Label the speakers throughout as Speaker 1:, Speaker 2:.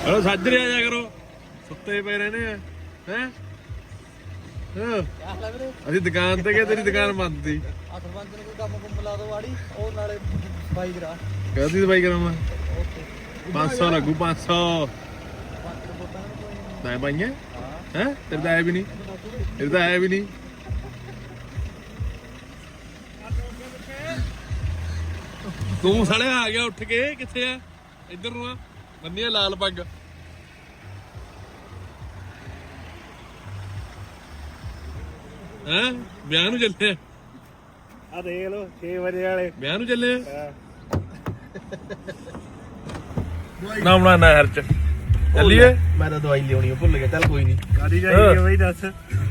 Speaker 1: Hello ਸਾਜਰੇ ਆ ਜਾ ਕਰੋ, ਸੁੱਤੇ ਪਏ ਰਹਿੰਦੇ ਆ ਹੈ। ਅਸੀਂ ਦੁਕਾਨ ਤੇ ਗਏ, ਤੇਰੀ ਦੁਕਾਨ ਬੰਦ ਸੀ।
Speaker 2: ਆ ਸਰਪੰਚ ਨੂੰ ਕੋਈ ਕੰਮ ਕੁੰਮ ਲਾ ਦੋ ਵਾੜੀ, ਉਹ ਨਾਲੇ ਸਫਾਈ ਕਰਾ।
Speaker 1: ਕਹਦੀ ਸਫਾਈ ਕਰਾਵਾਂ 500 ਲੱਗੂ 500 ਤਾਂ ਪਾਈਆਂ ਹੈ। ਤੇਰੇ ਤਾਂ ਆਇਆ ਵੀ ਨਹੀਂ, ਤੇਰੇ ਤਾਂ ਆਇਆ ਵੀ ਨਹੀਂ। ਤੂੰ ਸਾਲੇ ਆ ਗਿਆ ਉੱਠ ਕੇ, ਕਿੱਥੇ ਆ? ਇੱਧਰ ਨੂੰ ਆ, ਬੰਨੀ ਲਾਲ ਪੱਗ। ਹੈਂ ਵਿਆਹ ਨੂੰ ਚੱਲੇ
Speaker 2: ਆ ਦੇਖ ਲੋ 6 ਵਜੇ ਵਾਲੇ
Speaker 1: ਵਿਆਹ ਨੂੰ ਚੱਲੇ ਨਾ ਬਣਾ ਨਹਿਰ ਚ ਚੱਲੀਏ।
Speaker 2: ਮੈਂ ਤਾਂ ਦਵਾਈ ਲਿਆਉਣੀ ਭੁੱਲ ਗਿਆ, ਚੱਲ ਕੋਈ ਨਹੀਂ। ਕਾਦੀ ਜਾਈਏ ਬਈ ਦੱਸ।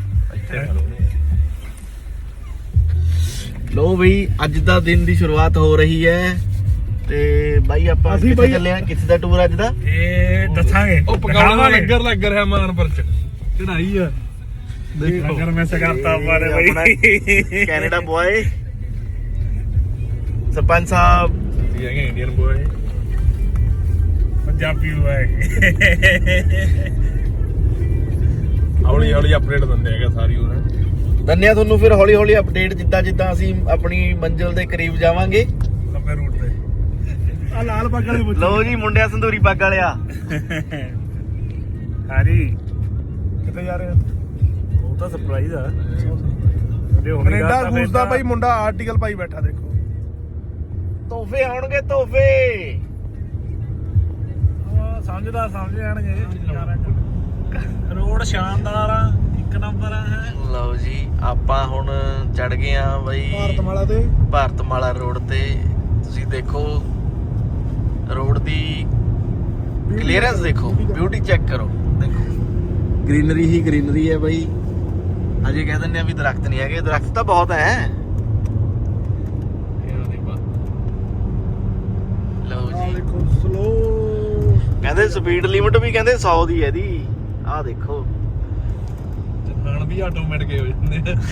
Speaker 2: ਲੋ ਬਈ ਅੱਜ ਦਾ ਦਿਨ ਦੀ ਸ਼ੁਰੂਆਤ ਹੋ ਰਹੀ ਹੈ ਤੇ ਬਾਈ ਆਪਾਂ ਕਿੱਥੇ ਚੱਲੇ ਆ? ਕਿੱਥੇ ਦਾ ਟੂਰ ਅੱਜ ਦਾ
Speaker 1: ਇਹ ਦੱਸਾਂਗੇ। ਉਹ ਪਕਾਉਣਾ ਲੰਗਰ ਲੱਗ ਰਿਹਾ ਮਾਨਪੁਰ ਚ, ਚੜਾਈ ਆ ਦੇਖੋ। ਲੰਗਰ ਮੈਂ ਸਗਾਤਾ ਮਾਰੇ ਬਈ।
Speaker 2: ਕੈਨੇਡਾ ਬॉय ਸਰਪੰਚ ਸਾਹਿਬ
Speaker 1: ਇਹ ਹੈਗੇ ਇੰਡੀਅਨ ਬॉय, ਪੰਜਾਬੀ ਬॉय। ਹੌਲੀ ਹੌਲੀ ਅਪਡੇਟ ਦਿੰਦੇ ਹੈਗਾ ਸਾਰੀ ਉਹ।
Speaker 2: ਧੰਨਿਆ ਤੁਹਾਨੂੰ ਫਿਰ ਹੌਲੀ ਹੌਲੀ ਅਪਡੇਟ ਜਿੱਦਾਂ ਜਿੱਦਾਂ ਅਸੀਂ ਆਪਣੀ ਮੰਜ਼ਿਲ ਦੇ ਕਰੀਬ ਜਾਵਾਂਗੇ।
Speaker 1: ਲੰਬੇ ਰੂਟ ਤੇ ਆ ਲਾਲ ਪੱਗ ਵਾਲੇ ਪੁੱਛੋ।
Speaker 2: ਲਓ ਜੀ ਮੁੰਡਿਆ ਸੰਧੂਰੀ ਪੱਗ ਵਾਲਿਆ।
Speaker 1: ਹਾਂਜੀ ਕਿੱਥੇ ਜਾ ਰਹੇ ਹੋ? ਉਹ ਤਾਂ ਸਰਪ੍ਰਾਈਜ਼ ਆ। ਕੈਨੇਡਾ ਗੂਸ ਦਾ ਭਾਈ ਮੁੰਡਾ ਆਰਟੀਕਲ ਪਾਈ ਬੈਠਾ ਦੇਖੋ।
Speaker 2: ਤੋਹਫੇ ਆਉਣਗੇ ਤੋਹਫੇ।
Speaker 1: ਸਮਝ ਜਾਣਗੇ। ਰੋਡ ਸ਼ਾਨਦਾਰ ਆ, ਇੱਕ ਨੰਬਰ ਆ।
Speaker 2: ਲਓ ਜੀ ਆਪਾਂ ਹੁਣ ਚੜ ਗਏ ਆ ਬਈ ਭਾਰਤਮਾਲਾ ਰੋਡ ਤੇ। ਤੁਸੀਂ ਦੇਖੋ ਰੋਡ ਦੀ ਕਲੀਅਰੈਂਸ ਦੇਖੋ, ਬਿਊਟੀ ਚੈੱਕ ਕਰੋ। ਦੇਖੋ ਗ੍ਰੀਨਰੀ ਹੀ ਗ੍ਰੀਨਰੀ ਹੈ ਬਈ। ਅਜੇ ਕਹਿ ਦਿੰਦੇ ਆ ਵੀ ਦਰਖਤ ਨਹੀਂ ਹੈਗੇ, ਦਰਖਤ ਤਾਂ ਬਹੁਤ ਹੈ। ਲਓ ਜੀ
Speaker 1: ਦੇਖੋ ਸਲੋ,
Speaker 2: ਕਹਿੰਦੇ ਸਪੀਡ ਲਿਮਟ ਵੀ ਕਹਿੰਦੇ 100 ਦੀ ਹੈ ਇਹਦੀ। ਆਹ ਦੇਖੋ
Speaker 1: ਚਲਾਣ ਵੀ ਆਟੋਮੈਟਿਕ ਹੋ ਜਾਂਦੇ ਆ।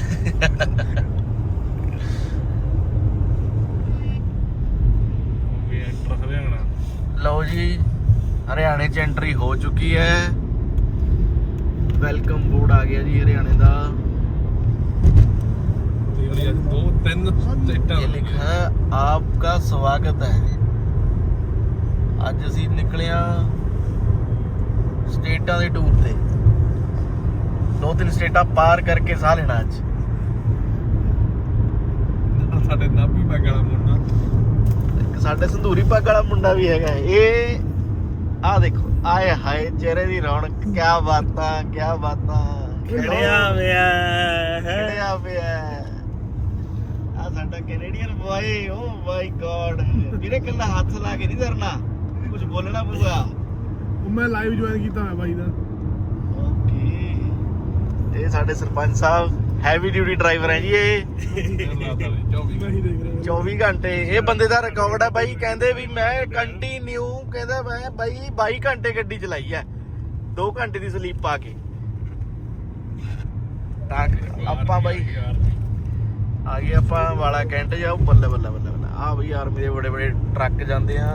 Speaker 2: ਲਓ ਜੀ ਹਰਿਆਣੇ ਚ ਐਂਟਰੀ ਹੋ ਚੁੱਕੀ ਹੈ। ਵੈਲਕਮ ਬੋਰਡ ਆ ਗਿਆ ਜੀ ਹਰਿਆਣੇ ਦਾ। ਇਹ ਲਿਖਾ ਹੈ ਆਪਕਾ ਸਵਾਗਤ ਹੈ। ਅੱਜ ਅਸੀਂ ਨਿਕਲੇ ਆ ਸਟੇਟਾਂ ਦੇ ਟੂਰ ਤੇ। 2-3 ਸਟੇਟਾਂ ਪਾਰ ਕਰਕੇ ਸਾਹ ਲੈਣਾ ਅੱਜ।
Speaker 1: ਸਾਡੇ ਨਾਭੀ ਪੱਗ ਵਾਲਾ ਮੁੰਡਾ,
Speaker 2: ਇੱਕ ਸਾਡੇ ਸੰਧੂਰੀ ਪੱਗ ਵਾਲਾ ਮੁੰਡਾ ਵੀ ਹੈਗਾ। ਇਹ ਆਹ ਦੇਖੋ, ਆਏ ਹਾਏ ਚਿਹਰੇ ਦੀ ਰੌਣਕ, ਕਿਆ ਬਾਤਾਂ ਕਿਆ ਬਾਤਾਂ। ਖੜਿਆ ਪਿਆ ਆ ਸਾਡਾ Canadian boy. Oh my God ਵੀਰੇ ਕੱਲਾ ਹੱਥ ਲਾ ਕੇ ਨਹੀਂ ਧਰਨਾ, ਕੁਝ ਬੋਲਣਾ ਪਊਗਾ।
Speaker 1: ਮੈਂ ਲਾਈਵ ਜੁਆਇਨ ਕੀਤਾ ਮੈਂ ਬਾਈ ਦਾ।
Speaker 2: ਓਕੇ ਇਹ ਸਾਡੇ ਸਰਪੰਚ ਸਾਹਿਬ ਹੈਵੀ ਡਿਊਟੀ ਡਰਾਈਵਰ ਹੈ ਜੀ। ਇਹ 24 ਘੰਟੇ ਇਹ ਬੰਦੇ ਦਾ ਰਿਕਾਰਡ ਹੈ ਬਾਈ। ਕਹਿੰਦੇ ਵੀ ਮੈਂ ਕੰਟੀਨਿਊ, ਕਹਿੰਦਾ ਮੈਂ ਬਾਈ 22 ਘੰਟੇ ਗੱਡੀ ਚਲਾਈ ਹੈ, 2 ਘੰਟੇ ਦੀ ਸਲੀਪ ਪਾ ਕੇ। ਤਾਂ ਆਪਾਂ ਬਾਈ ਆ ਗਏ ਆਪਾਂ ਵਾਲਾ ਕੈਂਟ ਜਾਓ। ਬੱਲੇ ਬੱਲੇ ਬੱਲੇ ਬੱਲੇ ਆ ਬਈ ਆਰਮੀ ਦੇ ਬੜੇ ਬੜੇ ਟਰੱਕ ਜਾਂਦੇ ਆ।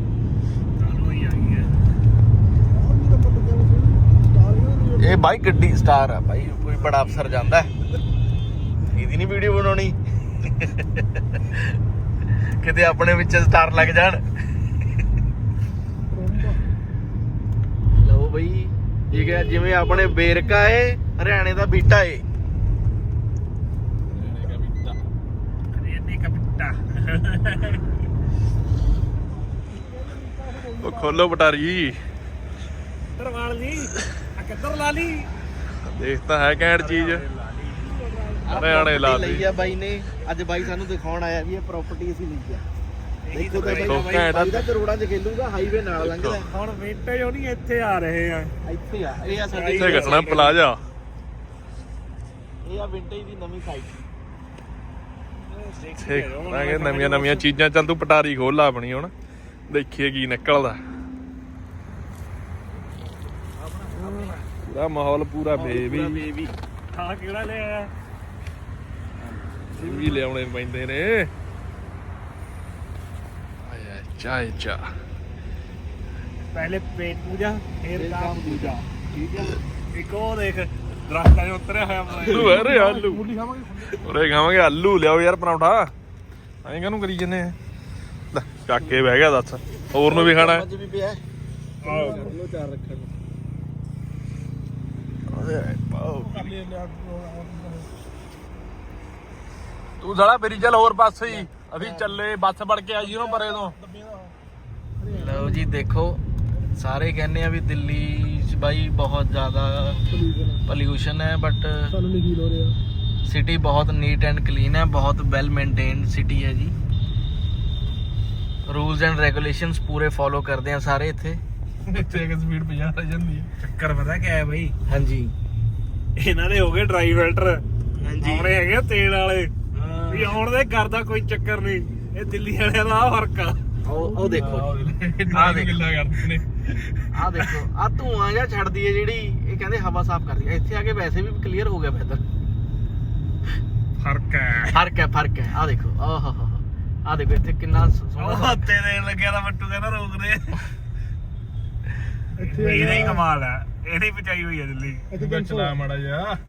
Speaker 2: ਇਹ ਬਾਈ ਗੱਡੀ ਸਟਾਰ ਆ ਬਾਈ, ਕੋਈ ਬੜਾ ਅਫਸਰ ਜਾਂਦਾ ਇਹਦੀ ਨਹੀਂ ਵੀਡੀਓ ਬਣਾਉਣੀ ਕਿਤੇ ਆਪਣੇ ਵਿੱਚ ਸਟਾਰ ਲੱਗ ਜਾਣ। ਲਓ ਬਈ ਠੀਕ ਹੈ, ਜਿਵੇਂ ਆਪਣੇ ਬੇਰਕਾ ਏ ਹਰਿਆਣੇ ਦਾ ਬੀਟਾ ਏ।
Speaker 1: ਉਹ ਖੋਲੋ ਪਟਾਰੀ ਦਰਵਾਲ ਜੀ, ਆ ਕਿੱਧਰ ਲਾ ਲਈ? ਦੇਖ ਤਾਂ ਹੈ ਘੈਂਟ ਚੀਜ਼। ਹਰਿਆਣੇ ਲਾ ਲਈ
Speaker 2: ਆ ਬਾਈ ਨੇ। ਅੱਜ ਬਾਈ ਸਾਨੂੰ ਦਿਖਾਉਣ ਆਇਆ ਵੀ ਇਹ ਪ੍ਰਾਪਰਟੀ ਅਸੀਂ ਲਈ ਆ। ਦੇਖੋ ਤਾਂ ਬਾਈ ਦਾ ਕਰੋੜਾਂ ਚ ਖੇਲੂਗਾ, ਹਾਈਵੇ ਨਾਲ ਲੰਘਦਾ।
Speaker 1: ਹੁਣ ਵਿੰਟੇਜ ਉਹ ਨਹੀਂ ਇੱਥੇ ਆ ਰਹੇ ਆ,
Speaker 2: ਇੱਥੇ ਆ। ਇਹ ਆ ਸਾਡੇ
Speaker 1: ਇੱਥੇ ਘਟਣਾ ਪਲਾਜ਼ਾ।
Speaker 2: ਇਹ ਆ ਵਿੰਟੇਜ ਦੀ ਨਵੀਂ ਸਾਈਟ।
Speaker 1: ਨਵੀਆਂ ਨਵੀਆਂ ਚੀਜ਼ਾਂ। ਚੱਲ ਤੂੰ ਪਟਾਰੀ ਖੋਲ ਲਾ ਆਪਣੀ, ਹੁਣ ਦੇਖੀਏ ਕੀ ਨਿਕਲਦਾ। ਪੂਰਾ ਮਾਹੌਲ ਪੂਰਾ ਬੇਬੀ। ਹਾਂ ਕਿਹੜਾ ਲੈ ਆਇਆ? ਵੀ ਲਿਆਉਣੇ ਪੈਂਦੇ ਨੇ। ਆਇਆ ਚਾਹ
Speaker 3: ਪਹਿਲੇ ਪੇਟ ਪੂਜਾ ਫਿਰ ਕੰਮ ਦੂਜਾ ਠੀਕ ਹੈ ਇੱਕ ਉਹ ਦੇਖ ਦਰਖਤਾਂ 'ਚ ਉਤਰਿਆ ਹੋਇਆ
Speaker 1: ਆਲੂ ਅਰੇ ਆਲੂ ਉਰੇ ਖਾਵਾਂਗੇ ਆਲੂ ਲਿਆਓ ਯਾਰ ਪਰੌਂਠਾ ਐਂ ਕਾਹਨੂੰ ਕਰੀ ਜੰਨੇ ਲੈ ਚੱਕ ਕੇ ਬਹਿ ਗਿਆ ਦੱਸ ਹੋਰ ਨੂੰ ਵੀ ਖਾਣਾ
Speaker 2: ਅੱਜ ਵੀ ਪਿਆ ਲੋ ਚਾਰ ਰੱਖਣ ਨੂੰ
Speaker 1: ਤੂੰ ਸਾਲਾ ਮੇਰੀ ਚੱਲ ਹੋਰ ਪਾਸੇ ਹੀ ਅਸੀਂ ਚੱਲੇ ਬੱਸ ਵੜ ਕੇ ਆਈ ਉਹਨੂੰ ਪਰੇ ਤੋਂ
Speaker 2: ਲਓ ਜੀ ਦੇਖੋ ਸਾਰੇ ਕਹਿੰਦੇ ਆ ਵੀ ਦਿੱਲੀ 'ਚ ਬਾਈ ਬਹੁਤ ਜ਼ਿਆਦਾ ਪੋਲਿਊਸ਼ਨ ਹੈ ਬਟ
Speaker 3: ਸਾਨੂੰ ਨਹੀਂ ਫੀਲ ਹੋ ਰਿਹਾ
Speaker 2: ਸਿਟੀ ਬਹੁਤ ਨੀਟ ਐਂਡ ਕਲੀਨ ਹੈ ਬਹੁਤ ਵੈਲ ਮੇਨਟੇਨਡ ਸਿਟੀ ਹੈ ਜੀ ਰੂਲਸ ਐਂਡ ਰੈਗੂਲੇਸ਼ਨਸ ਪੂਰੇ ਫੋਲੋ ਕਰਦੇ ਆ ਸਾਰੇ ਇੱਥੇ
Speaker 1: ਇੱਥੇ ਕਿ ਸਪੀਡ 50 ਰਹਿ ਜਾਂਦੀ ਹੈ
Speaker 3: ਚੱਕਰ ਪਤਾ ਕਿਆ ਹੈ ਬਈ
Speaker 2: ਹਾਂਜੀ
Speaker 3: ਇਹਨਾਂ ਦੇ ਹੋ ਗਏ ਡਰਾਈ ਫਿਲਟਰ
Speaker 2: ਹਾਂਜੀ
Speaker 3: ਆਉਣੇ ਹੈਗੇ ਤੇਲ ਵਾਲੇ ਵੀ ਆਉਣ ਦੇ ਕਰਦਾ ਕੋਈ ਚੱਕਰ ਨਹੀਂ ਇਹ ਦਿੱਲੀ ਵਾਲਿਆਂ ਦਾ ਆਹ ਫਰਕ ਆ
Speaker 2: ਉਹ ਦੇਖੋ
Speaker 1: ਆਹ ਦੇਖ ਗੱਲਾਂ ਕਰਦੇ ਨੇ
Speaker 2: ਆਹ ਦੇਖੋ ਆ ਧੂਆਂ ਜਿਹਾ ਛੱਡਦੀ ਹੈ ਜਿਹੜੀ ਇਹ ਕਹਿੰਦੇ ਹਵਾ ਸਾਫ਼ ਕਰਦੀ ਹੈ ਇੱਥੇ ਆ ਕੇ ਵੈਸੇ ਵੀ ਕਲੀਅਰ ਹੋ ਗਿਆ ਬਿਹਤਰ ਫਰਕ ਹੈ ਆਹ ਦੇਖੋ ਆਹ ਆਹ ਦੇਖੋ ਇੱਥੇ ਕਿੰਨਾ ਸੋਹਣਾ
Speaker 3: ਉਹ ਹੱਤੇ ਦੇਣ ਲੱਗਿਆ ਤਾਂ ਬੱਟੂ ਕਹਿੰਦਾ ਰੋਕ ਦੇ ਇਹਦਾ ਹੀ ਕਮਾਲ ਹੈ ਇਹਦੀ ਪਚਾਈ ਹੋਈ ਹੈ ਦਿੱਲੀ
Speaker 1: ਇੱਥੇ ਚਲਾ ਮਾੜਾ ਜਿਹਾ